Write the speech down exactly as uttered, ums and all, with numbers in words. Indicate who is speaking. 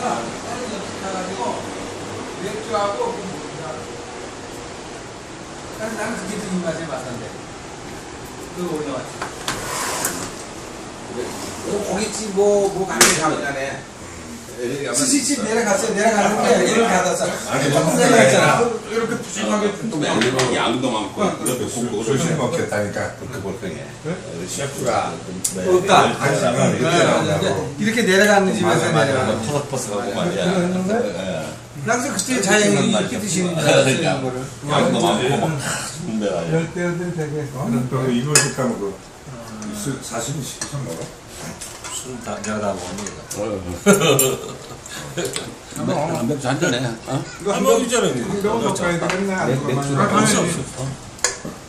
Speaker 1: 시켜가지고 맥주하고 그 뭐야. 그래서 나는 그게 더 입맛에 맞던데. 그거 올려왔지.
Speaker 2: 뭐 고깃집 뭐, 뭐 가면 가면 가네.
Speaker 1: 스시집 내려갔어요. 내려갔는데 이걸 받았어.
Speaker 3: 아니,
Speaker 1: 내려갔잖아.
Speaker 3: 이렇게 푸짐하게
Speaker 4: 양도, 양도 많고 그렇게 굽고
Speaker 3: 조심 먹겠다니까.
Speaker 4: 그렇게 보통해.
Speaker 2: 셰프가
Speaker 1: 없다.
Speaker 3: 아니, 지금 이렇게 나온다고.
Speaker 1: 이렇게 내려가는 집에서 내려가.
Speaker 4: 퍼석퍼석하고 말이야. 예.
Speaker 1: 나그래서 그때 자연이 이렇게 드시는 줄 알았어요. 이런 거를.
Speaker 4: 양도 많고 막 분배가.
Speaker 5: 열대어들 되게
Speaker 3: 나는 또 이모식 하면 그 수- 사시미 시켜서 먹어.
Speaker 2: 술다 내가 다 먹는 거.
Speaker 4: 맥주 한 잔해. 어?
Speaker 3: 이거 한 번 있잖아요. 한 병은 먹어야 되겠네. 안
Speaker 2: 맥주
Speaker 3: 그러면.
Speaker 5: 아니,